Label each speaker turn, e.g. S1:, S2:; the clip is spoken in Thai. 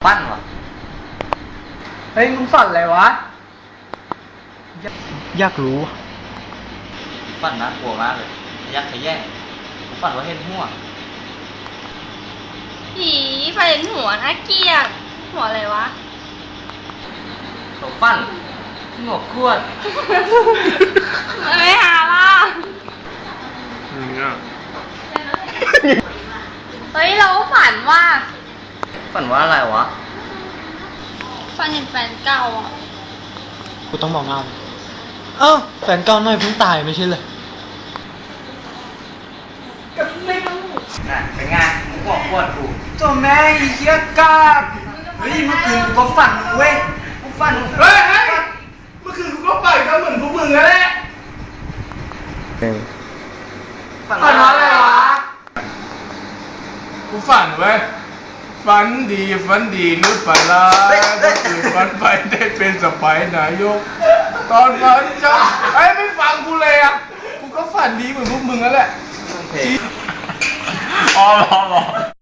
S1: ปั้นวะ
S2: เฮ้ยมึงฝันอะไรวะอยากรู้
S1: ปั้นน่ากลัวมากเลยยักษ์ขย่งผมปั้นว่าเห็นหัว
S3: ผีไฟเห็นหัวน่าเกลียดหัวอะไรวะ
S1: ผมปั้นหงอกขวด
S3: ไม่หาล่ะเฮ้ยเราฝันว่า
S1: ปั้นว่าอะไรวะ
S3: ฝันเห็นแฟนเก่าอ่ะ
S2: กูต้องบอกเงาเอ้าแฟนเก่าหน่อยเพิ่งตายไม่ใช่เลย
S1: น่ะเป็นไงมึงหงอกขวดกู
S2: ตัวแม่อีเหี้ยกาบเฮ้ยเมื่อคืนกูก็ฝันเว้ยกูฝัน
S4: เฮ้ยเมื่อคืนกูก็ไปก็เหมือนพวกมึงนั่นแหละ
S2: ฝันว่าอะไรวะ
S4: กูฝันเว้ยฝันดีหรือฝันร้ายก็คือฝันไปได้เป็นสไปนายกตอนฝันจะไอ้ไม่ฟังกูเลยอ่ะกูก็ฝันดีเหมือนพวกมึงนั่นแหละ
S1: อ๋อ